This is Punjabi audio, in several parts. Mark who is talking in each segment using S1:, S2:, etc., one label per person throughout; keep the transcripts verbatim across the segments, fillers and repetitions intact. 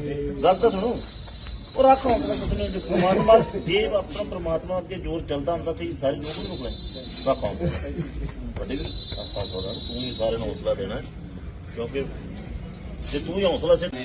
S1: गल तो सुनो और रख हौसला कुछ नहीं परमात्मा जे अपना परमात्मा अगे जोर चलता होंगे तो सारे लोग नहीं रुकने रख हौसला हौसला तू ही सारे हौसला देना क्योंकि जे तू ही हौसला से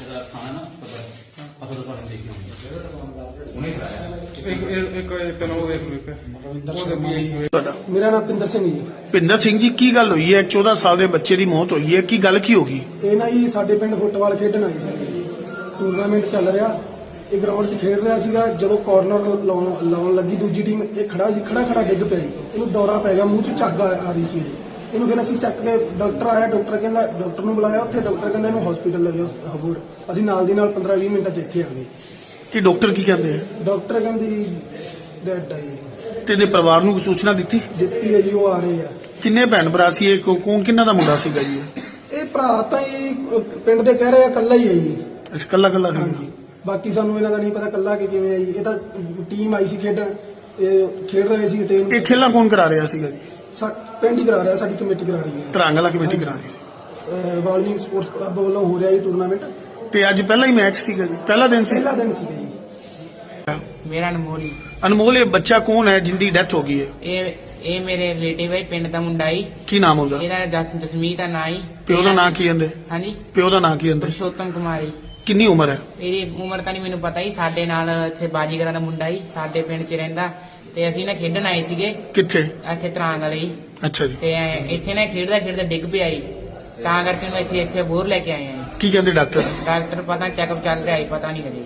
S2: मेरा नाम पिंदर सिंह जी।
S3: ਭਿੰਦਰ ਸਿੰਘ ਜੀ ਕੀ ਗੱਲ ਹੋਈ ਹੈ ਚੌਦਾਂ ਸਾਲ ਦੇ ਬੱਚੇ ਦੀ ਮੌਤ ਹੋਈ ਹੈ ਕੀ ਗੱਲ ਕੀ ਹੋ ਗਈ
S2: ਇਹ ਨਾ ਜੀ ਸਾਡੇ ਪਿੰਡ ਫੁੱਟਬਾਲ ਖੇਡਣ ਆਏ ਸੀ। ਟੂਰਨਾਮੈਂਟ ਚੱਲ ਰਿਹਾ, ਇਹ ਗਰਾਊਂਡ 'ਚ ਖੇਡ ਰਿਹਾ ਸੀਗਾ। ਜਦੋਂ ਕਾਰਨਰ ਲਾਉਣ ਲਾਉਣ ਲੱਗੀ ਦੂਜੀ ਟੀਮ, ਇਹ ਖੜਾ ਸੀ, ਖੜਾ ਖੜਾ ਡਿੱਗ ਪਿਆ ਜੀ। ਇਹਨੂੰ ਦੌਰਾ ਪੈ ਗਿਆ, ਮੂੰਹ 'ਚ ਝੱਗ ਆ ਆ ਰਹੀ ਸੀ ਇਹਦੀ। ਇਹਨੂੰ ਫਿਰ ਅਸੀਂ ਚੱਕ ਕੇ ਡਾਕਟਰ ਆਇਆ, ਡਾਕਟਰ ਕਹਿੰਦਾ ਡਾਕਟਰ ਨੂੰ ਬੁਲਾਇਆ। ਉੱਥੇ ਡਾਕਟਰ ਕਹਿੰਦਾ ਇਹਨੂੰ ਹਸਪੀਟਲ ਲੈ ਜਾਓ ਹਬੂਰ। ਅਸੀਂ ਨਾਲ ਦੀ ਨਾਲ ਪੰਦਰਾਂ ਵੀਹ ਮਿੰਟਾਂ 'ਚ ਇੱਥੇ ਆ ਗਏ।
S3: ਕੀ ਡਾਕਟਰ ਕੀ ਕਹਿੰਦੇ ਆ
S2: ਡਾਕਟਰ ਕਹਿੰਦੀ ਡੈਡ ਆ ਜੀ।
S3: ਤੇ ਇਹਦੇ ਪਰਿਵਾਰ ਨੂੰ ਕੋਈ ਸੂਚਨਾ ਦਿੱਤੀ
S2: ਦਿੱਤੀ ਹੈ ਜੀ, ਉਹ ਆ ਰਹੇ ਆ।
S3: ਕਿੰਨੇ ਭੈਣ ਭਰਾ ਸੀ ਇਹ ਕੌ- ਕੌਣ ਕਿੰਨਾ ਦਾ ਮੁੰਡਾ ਸੀਗਾ ਜੀ ਇਹ?
S2: ਇਹ ਭਰਾ ਤਾਂ ਜੀ ਪਿੰਡ ਦੇ ਕਹਿ ਰਹੇ ਆ ਇਕੱਲਾ ਹੀ ਹੈ ਜੀ।
S3: ਅੱਛਾ ਕੱਲਾ ਕੱਲਾ ਸੀ
S2: ਹਾਂਜੀ, ਬਾਕੀ ਸਾਨੂੰ ਇਹਨਾਂ ਦਾ ਨਹੀਂ ਪਤਾ ਕੱਲਾ ਕਿ ਕਿਵੇਂ ਆਈ। ਇਹ ਤਾਂ ਟੀਮ ਆਈ ਸੀ ਖੇਡਣ, ਇਹ ਖੇਡ ਰਹੇ ਸੀ ਤੇ
S3: ਇਹ ਖੇਲਾਂ ਕੌਣ ਕਰਾ ਰਿਹਾ ਸੀਗਾ ਜੀ
S2: ਸਾ- ਪਿੰਡ ਹੀ ਕਰਾ ਰਿਹਾ, ਸਾਡੀ ਕਮੇਟੀ ਕਰਾ ਰਹੀ ਹੈ।
S3: ਤਰਾਂਗਲਾ ਕਮੇਟੀ ਕਰਾ ਰਹੀ ਸੀ
S2: ਅਹ ਵਾਲਮੀਕ ਸਪੋਰਟਸ ਕਲੱਬ ਵੱਲੋਂ ਹੋ ਰਿਹਾ ਜੀ ਟੂਰਨਾਮੈਂਟ।
S3: ਤੇ ਅੱਜ ਪਹਿਲਾ ਹੀ ਮੈਚ ਸੀਗਾ ਜੀ ਪਹਿਲਾ ਦਿਨ ਸੀ
S2: ਪਹਿਲਾ ਦਿਨ ਸੀਗਾ ਜੀ।
S4: ਮੇਰਾ ਅਨਮੋਲ
S3: ਅਨਮੋਲ ਇਹ ਬੱਚਾ ਕੌਣ ਹੈ ਜਿੰਦੀ ਡੈਥ ਹੋ ਗਈ ਹੈ
S4: ਇਹ ਇਹ ਮੇਰੇ ਰਿਲੇਟਿਵ ਹੈ, ਪਿੰਡ ਦਾ ਮੁੰਡਾ ਹੀ।
S3: ਕੀ ਨਾਮ ਉਹਦਾ
S4: ਇਹਦਾ ਜਸ ਜਸਮੀਤ ਦਾ ਨਾਂ ਹੀ।
S3: ਪਿਓ ਦਾ ਨਾਂ ਕੀ ਕਹਿੰਦੇ
S4: ਹਾਂਜੀ,
S3: ਪਿਓ ਦਾ ਨਾਂ ਕੀ ਕਹਿੰਦੇ
S4: ਪੁਰਸ਼ੋਤਮ ਕੁਮਾਰੀ।
S3: ਕਿੰਨੀ ਉਮਰ ਹੈ
S4: ਇਹਦੀ ਉਮਰ ਤਾਂ ਨਹੀਂ ਮੈਨੂੰ ਪਤਾ ਹੀ। ਸਾਡੇ ਨਾਲ ਇੱਥੇ ਬਾਜੀਗਰਾਂ ਦਾ ਮੁੰਡਾ ਹੀ ਸਾਡੇ ਪਿੰਡ 'ਚ ਰਹਿੰਦਾ ਤੇ ਅਸੀਂ ਨਾ ਖੇਡਣ ਆਏ ਸੀਗੇ
S3: ਕਿੱਥੇ
S4: ਇੱਥੇ ਤਰਾਂਗ ਵਾਲੇ ਹੀ।
S3: ਅੱਛਾ ਜੀ
S4: ਤੇ ਇੱਥੇ ਨਾ ਖੇਡਦਾ ਖੇਡਦਾ ਡਿੱਗ ਪਿਆ ਜੀ, ਤਾਂ ਕਰਕੇ ਮੈਂ ਅਸੀਂ ਇੱਥੇ ਬੋਰ ਲੈ ਕੇ ਆਏ ਹਾਂ।
S3: ਕੀ ਕਹਿੰਦੇ ਡਾਕਟਰ
S4: ਡਾਕਟਰ ਪਤਾ ਚੈੱਕਅਪ ਚੱਲ ਰਿਹਾ ਹੈ, ਪਤਾ ਨਹੀਂ ਹਜੇ।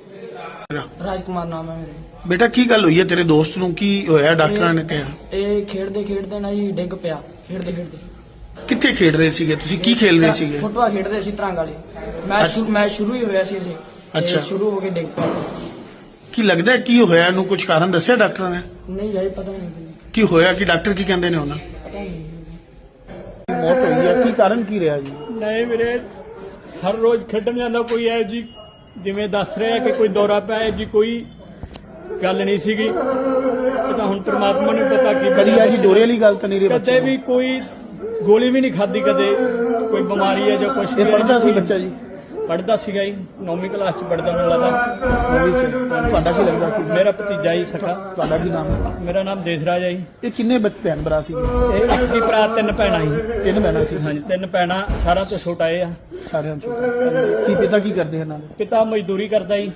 S4: ਰਾਜਕੁਮਾਰ ਨਾਮ ਹੈ ਮੇਰਾ।
S3: ਬੇਟਾ ਕੀ ਗੱਲ ਹੋਈ ਹੈ ਤੇਰੇ ਦੋਸਤ ਨੂੰ ਕੀ ਹੋਇਆ ਡਾਕਟਰਾਂ ਨੇ ਕਿਹਾ
S5: ਇਹ ਖੇਡਦੇ ਖੇਡਦੇ ਨਾ ਜੀ ਡਿੱਗ ਪਿਆ। ਖੇਡਦੇ ਖੇਡਦੇ
S3: ਕਿੱਥੇ ਖੇਡ ਰਹੇ ਸੀਗੇ ਤੁਸੀਂ ਕੀ ਖੇਲ ਰਹੇ ਸੀਗੇ
S5: ਫੁੱਟਬਾਲ ਖੇਡਦੇ ਸੀ ਤਰੰਗ ਵਾਲੇ। ਮੈਚ ਸ਼ੁਰੂ ਮੈਚ ਸ਼ੁਰੂ ਹੀ ਹੋਇਆ ਸੀ ਇਹ।
S3: ਅੱਛਾ।
S5: ਤੇ ਸ਼ੁਰੂ ਹੋ ਕੇ ਡਿੱਗ ਪਿਆ।
S3: ਕੀ ਲੱਗਦਾ ਹੈ ਕੀ ਹੋਇਆ ਇਹਨੂੰ ਕੁਝ ਕਾਰਨ ਦੱਸਿਆ ਡਾਕਟਰਾਂ ਨੇ
S5: ਨਹੀਂ ਜਾਈ ਪਤਾ ਨਹੀਂ
S3: ਕੀ ਹੋਇਆ ਕਿ ਡਾਕਟਰ ਕੀ ਕਹਿੰਦੇ ਨੇ ਉਹਨਾਂ
S5: ਪਤਾ ਨਹੀਂ।
S3: ਮੌਤ ਹੋਈ ਹੈ ਕੀ ਕਾਰਨ ਕੀ ਰਿਹਾ ਜੀ
S6: ਨਹੀਂ ਵੀਰੇ, ਹਰ ਰੋਜ਼ ਖੇਡਣ ਜਾਂਦਾ ਕੋਈ ਹੈ ਜੀ, ਜਿਵੇਂ ਦੱਸ ਰਿਹਾ ਕਿ ਕੋਈ ਦੌਰਾ ਪਿਆ ਹੈ ਜੀ, ਕੋਈ ਗੱਲ ਨਹੀਂ ਸੀਗੀ। ਇਹ ਤਾਂ ਹੁਣ ਪ੍ਰਮਾਤਮਾ ਨੂੰ ਪਤਾ ਕੀ
S3: ਕਦੀ ਆ ਜੀ ਡੋਰੇ ਵਾਲੀ ਗੱਲ ਤਾਂ ਨਹੀਂ ਰਹੀ
S6: ਕਦੇ ਵੀ ਕੋਈ ਗੋਲੀ ਵੀ ਨਹੀਂ ਖਾਧੀ, ਕਦੇ ਕੋਈ ਬਿਮਾਰੀ ਹੈ ਜਾਂ ਕੁਛ
S3: ਇਹ ਪੜ੍ਹਦਾ ਸੀ ਬੱਚਾ ਜੀ
S6: ਪੜ੍ਹਦਾ ਸੀਗਾ ਜੀ, ਨੌਵੀਂ ਕਲਾਸ ਚ ਪੜ੍ਹਦਾ ਮੈਨੂੰ ਲੱਗਦਾ।
S3: ਨੌਵੀਂ ਚ ਤੁਹਾਡਾ ਕੀ ਲੱਗਦਾ ਸੀ
S6: ਮੇਰਾ ਭਤੀਜਾ ਹੀ ਸਖਾ।
S3: ਤੁਹਾਡਾ ਕੀ ਨਾਮ ਹੈ
S6: ਮੇਰਾ ਨਾਮ ਦੇਸਰਾਜ ਹੈ ਜੀ।
S3: ਇਹ ਕਿੰਨੇ ਬੱਚੇ ਭੈਣ ਭਰਾ ਸੀ
S6: ਇਹ ਇੱਕ ਹੀ ਭਰਾ, ਤਿੰਨ ਭੈਣਾਂ ਜੀ।
S3: ਤਿੰਨ ਭੈਣਾਂ ਸੀ
S6: ਹਾਂਜੀ, ਤਿੰਨ ਭੈਣਾਂ, ਸਾਰਿਆਂ ਤੋਂ ਛੋਟਾ ਇਹ ਆ।
S3: ਸਾਰਿਆਂ ਚੋਂ ਕੀ ਪਿਤਾ ਕੀ ਕਰਦੇ ਇਹਨਾਂ ਦੇ
S6: ਪਿਤਾ ਮਜ਼ਦੂਰੀ ਕਰਦਾ ਜੀ।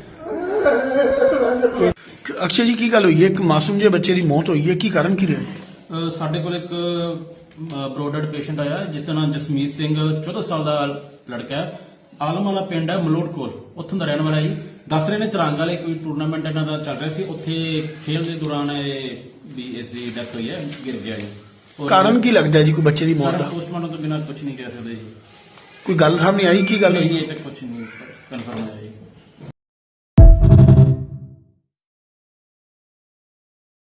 S3: ਅਕਸ਼ੇ ਜੀ ਕੀ ਗੱਲ ਹੋਈ ਹੈ ਇੱਕ ਮਾਸੂਮ ਜਿਹੇ ਬੱਚੇ ਦੀ ਮੌਤ ਹੋਈ ਹੈ ਕੀ ਕਾਰਨ ਕੀ ਰਿਹਾ ਜੀ
S7: ਅ, ਸਾਡੇ ਕੋਲ ਇੱਕ ਬਰੋਡਡ ਪੇਸ਼ੈਂਟ ਆਇਆ ਜਿਸ ਦਾ ਨਾਮ ਜਸਮੀਤ ਸਿੰਘ ਚੌਦਾਂ ਸਾਲ ਦਾ ਲੜਕਾ ਹੈ। ਆਲਮ ਵਾਲਾ ਪਿੰਡ ਹੈ ਮਲੋਟ ਕੋਲ, ਉੱਥੋਂ ਦਾ ਰਹਿਣ ਵਾਲਾ ਜੀ। ਦੱਸ ਰਹੇ ਨੇ ਤਰੰਗ ਵਾਲੇ ਕੋਈ ਟੂਰਨਾਮੈਂਟ ਇਹਨਾਂ ਦਾ ਚੱਲ ਰਿਹਾ ਸੀ, ਉੱਥੇ ਖੇਡ ਦੇ ਦੌਰਾਨ ਇਹ ਵੀ ਇਸ ਦੀ ਡੈਥ ਹੋਈ ਹੈ, ਗਿਰ ਗਿਆ ਜੀ। ਔਰ
S3: ਕਾਰਨ ਕੀ ਲੱਗਦਾ ਜੀ ਕੋਈ ਬੱਚੇ ਦੀ ਮੌਤ ਦਾ
S7: ਪੋਸਟਮਾਰਟਮ ਤੋਂ ਬਿਨਾਂ ਕੁਝ ਨਹੀਂ ਕਹਿ ਸਕਦੇ ਜੀ।
S3: ਕੋਈ ਗੱਲ ਸਾਹਮਣੇ ਆਈ ਕੀ ਗੱਲ
S7: ਨਹੀਂ
S3: ਹੋਈ
S7: ਇਹ ਤੱਕ ਕੁਝ ਨਹੀਂ ਕਨਫਰਮ ਹੋਇਆ ਜੀ।